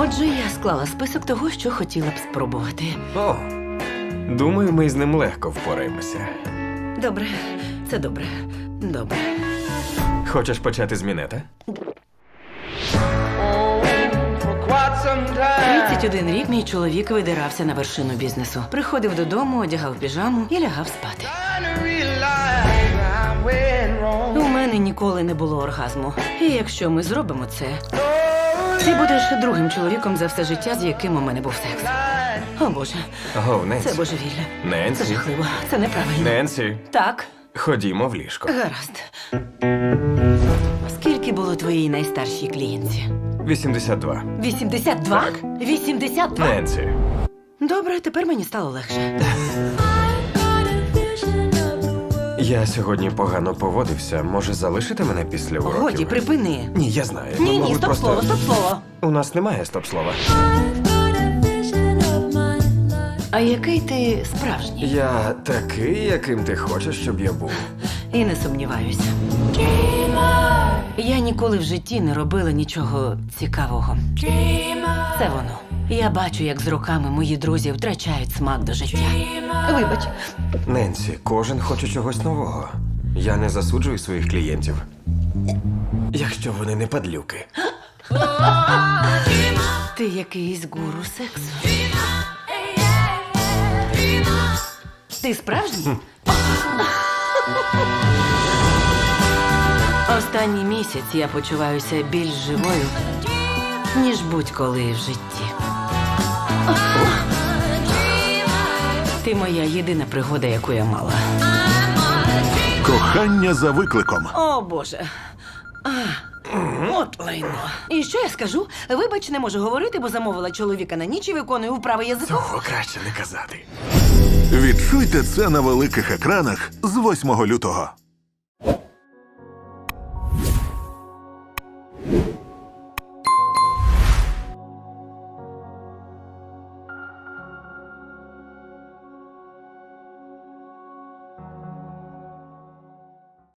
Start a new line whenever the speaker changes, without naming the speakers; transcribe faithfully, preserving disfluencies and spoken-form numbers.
Отже, я склала список того, що хотіла б спробувати.
О, думаю, ми з ним легко впораємося.
Добре, це добре. Добре.
Хочеш почати з мінета?
тридцять один рік мій чоловік видирався на вершину бізнесу. Приходив додому, одягав піжаму і лягав спати. У мене ніколи не було оргазму. І якщо ми зробимо це, ти будеш другим чоловіком за все життя, з яким у мене був секс. О, Боже,
Гов, Ненсі.
це божевілля. Це
Ненсі.
жахливо. Це неправильно.
Ненсі,
Так,
ходімо в ліжко.
гаразд. Скільки було твоїй найстаршій клієнтці?
вісімдесят два.
вісімдесят два?
Так.
вісімдесят два?
Ненсі.
Добре, тепер мені стало легше.
Я сьогодні погано поводився. Може, залишити мене після уроків?
Годі, припини.
Ні, я знаю.
Ні,
Ми,
ні,
мабуть,
стоп
просто...
слово, стоп слово.
У нас немає стоп-слова.
А який ти справжній?
Я такий, яким ти хочеш, щоб я був.
І не сумніваюся. Я ніколи в житті не робила нічого цікавого. Це воно. Я бачу, як з роками мої друзі втрачають смак до життя. Вибач.
Ненсі, кожен хоче чогось нового. Я не засуджую своїх клієнтів. Якщо вони не падлюки.
Ти якийсь гуру сексу. Ти справжній? Останній місяць я почуваюся більш живою, ніж будь-коли в житті. Ти моя єдина пригода, яку я мала.
Кохання за викликом.
О, Боже. А, от лайно. І що я скажу? Вибач, не можу говорити, бо замовила чоловіка на ніч і виконую вправи язиком.
Цього краще не казати.
Відчуйте це на великих екранах з восьмого лютого.